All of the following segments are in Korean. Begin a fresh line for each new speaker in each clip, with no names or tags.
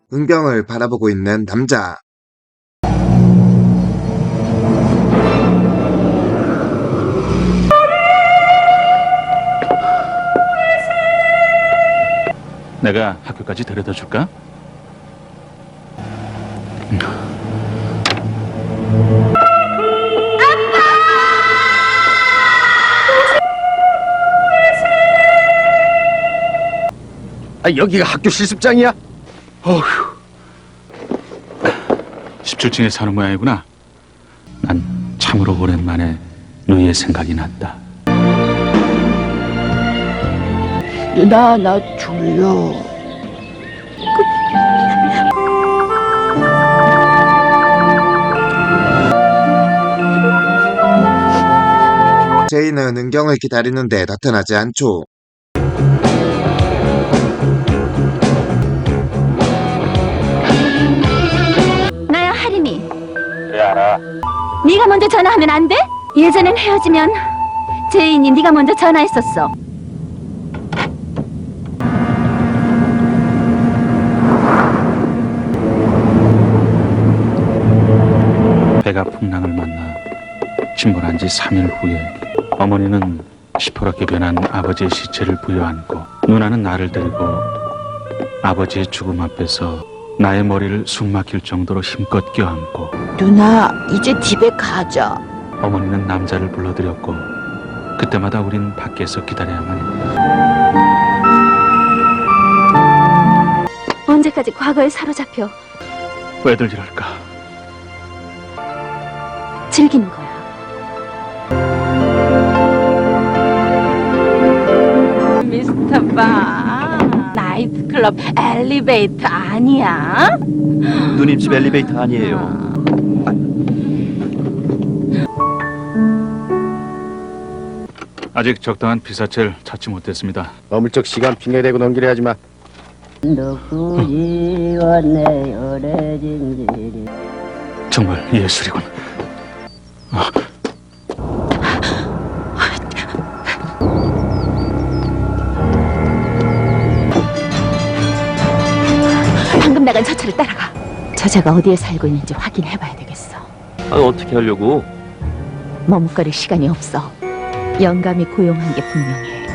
은경을 바라보고 있는 남자.
내가 학교까지 데려다 줄까?
여기가 학교 실습장이야?
어휴. 17층에 사는 모양이구나. 난 참으로 오랜만에 누이의 생각이 났다.
누나, 나 졸려.
제이는 은경을 기다리는데 나타나지 않죠.
나야, 하림이.
그래, 알아.
네가 먼저 전화하면 안 돼? 예전엔 헤어지면 제인이 네가 먼저 전화했었어.
배가 풍랑을 만나 침몰한 지 3일 후에 어머니는 시퍼렇게 변한 아버지의 시체를 부여안고 누나는 나를 데리고 아버지의 죽음 앞에서 나의 머리를 숨막힐 정도로 힘껏 껴안고
누나, 이제 집에 가자.
어머니는 남자를 불러들였고 그때마다 우린 밖에서 기다려야만 했다.
언제까지 과거에 사로잡혀
왜들 이럴까?
즐기는 거야. 미스터 바, 나이트클럽 엘리베이터 아니야?
누님 집 엘리베이터 아니에요.
아직 적당한 피사체를 찾지 못했습니다.
어물쩍 시간 핑계대고 넘기려 하지 마.
누구이 왔네 오래진 일이.
정말 예술이군.
방금 나간 저 차를 따라가. 저자가 어디에 살고 있는지 확인해봐야 되겠어.
어떻게 하려고?
머뭇거릴 시간이 없어. 영감이 고용한 게 분명해.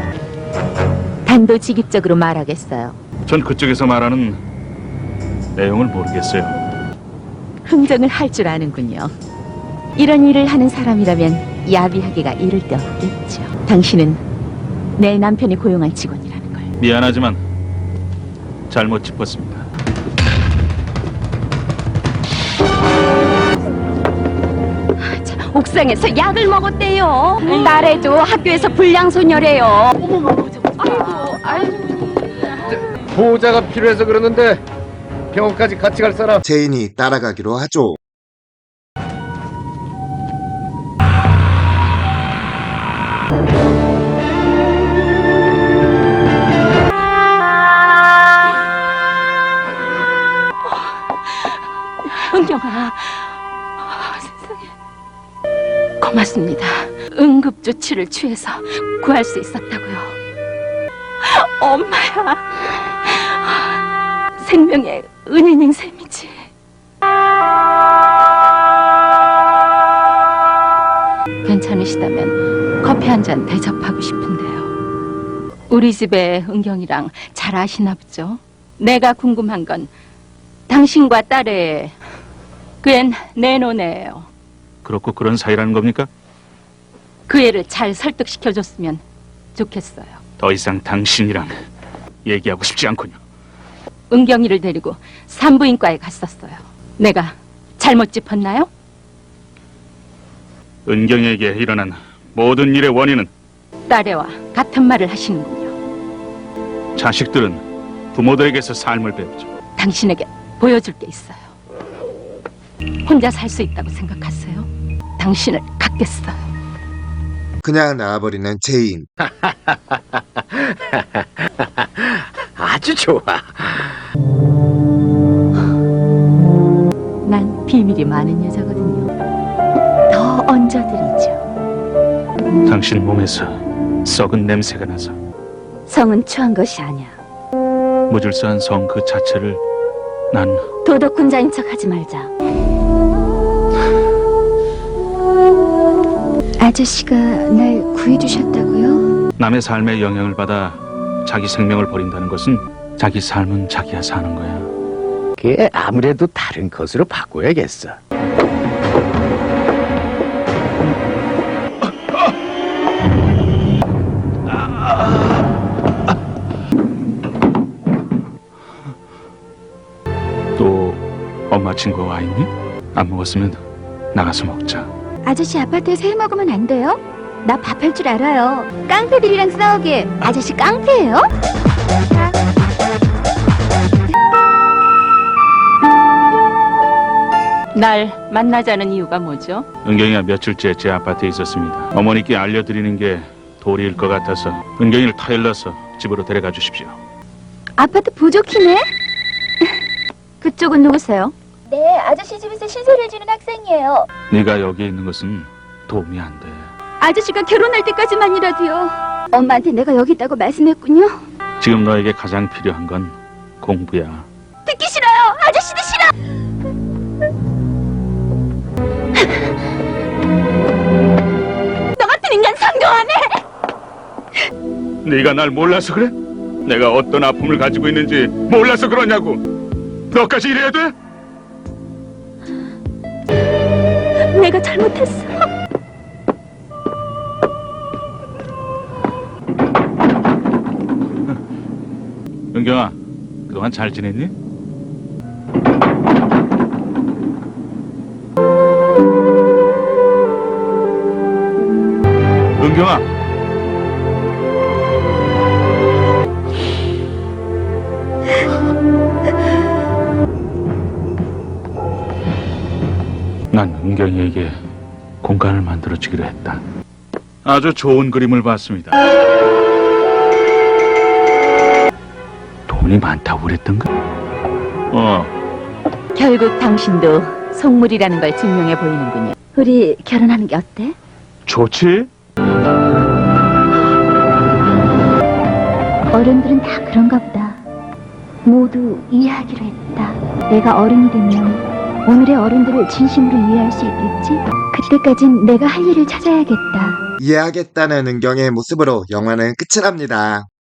단도직입적으로 말하겠어요.
전 그쪽에서 말하는 내용을 모르겠어요.
흥정을 할 줄 아는군요. 이런 일을 하는 사람이라면 야비하기가 이를 데 없겠죠. 당신은 내 남편이 고용한 직원이라는 걸.
미안하지만 잘못 짚었습니다.
옥상에서 약을 먹었대요. 딸애도 학교에서 불량소녀래요.
보호자가 필요해서 그러는데 병원까지 같이 갈 사람?
제인이 따라가기로 하죠.
은경아, 세상에. 고맙습니다. 응급조치를 취해서 구할 수 있었다고요. 엄마야, 생명의 은인인 셈이지. 괜찮으시다면 커피 한 잔 대접하고 싶은데요. 우리 집에 은경이랑 잘 아시나 보죠? 내가 궁금한 건 당신과 딸의 그 앤 내 노네예요.
그렇고 그런 사이라는 겁니까?
그 애를 잘 설득시켜줬으면 좋겠어요.
더 이상 당신이랑 얘기하고 싶지 않군요.
은경이를 데리고 산부인과에 갔었어요. 내가 잘못 짚었나요?
은경에게 일어난 모든 일의 원인은
딸애와 같은 말을 하시는군요.
자식들은 부모들에게서 삶을 배우죠.
당신에게 보여줄 게 있어요. 혼자 살 수 있다고 생각하세요? 당신을 갖겠어요.
그냥 나와버리는 제인.
아주 좋아.
난 비밀이 많은 여자거든요. 더 얹어드리죠.
당신 몸에서 썩은 냄새가 나서
성은 취한 것이 아니야.
무질서한 성 그 자체를 난
도덕군자인 척 하지 말자.
아저씨가 날 구해주셨다고요?
남의 삶에 영향을 받아 자기 생명을 버린다는 것은 자기 삶은 자기가 사는 거야.
그게 아무래도 다른 것으로 바꿔야겠어.
또 엄마 친구가 와 있니? 안 먹었으면 나가서 먹자.
아저씨 아파트에서 해 먹으면 안 돼요? 나 밥 할 줄 알아요. 깡패들이랑 싸우게. 아저씨 깡패예요?
날 만나자는 이유가 뭐죠?
은경이가 며칠째 제 아파트에 있었습니다. 어머니께 알려드리는 게 도리일 것 같아서 은경이를 타일러서 집으로 데려가 주십시오.
아파트 부족히네? 그쪽은 누구세요? 네, 아저씨 집에서 신세를 지는 학생이에요.
네가 여기 있는 것은 도움이 안 돼.
아저씨가 결혼할 때까지만이라도요. 엄마한테 내가 여기 있다고 말씀했군요.
지금 너에게 가장 필요한 건 공부야.
듣기 싫어요. 아저씨도 싫어. 너 같은 인간 상종 안 해.
네가 날 몰라서 그래? 내가 어떤 아픔을 가지고 있는지 몰라서 그러냐고. 너까지 이래야 돼?
내가 잘못했어.
은경아, 그동안 잘 지냈니? 은경아. 난 은경이에게 공간을 만들어주기로 했다. 아주 좋은 그림을 봤습니다. 돈이 많다고 그랬던가?
결국 당신도 속물이라는 걸 증명해 보이는군요.
우리 결혼하는 게 어때?
좋지?
어른들은 다 그런가 보다. 모두 이해하기로 했다. 내가 어른이 되면 오늘의 어른들을 진심으로 이해할 수 있겠지? 그때까진 내가 할 일을 찾아야겠다.
이해하겠다는 은경의 모습으로 영화는 끝이 납니다.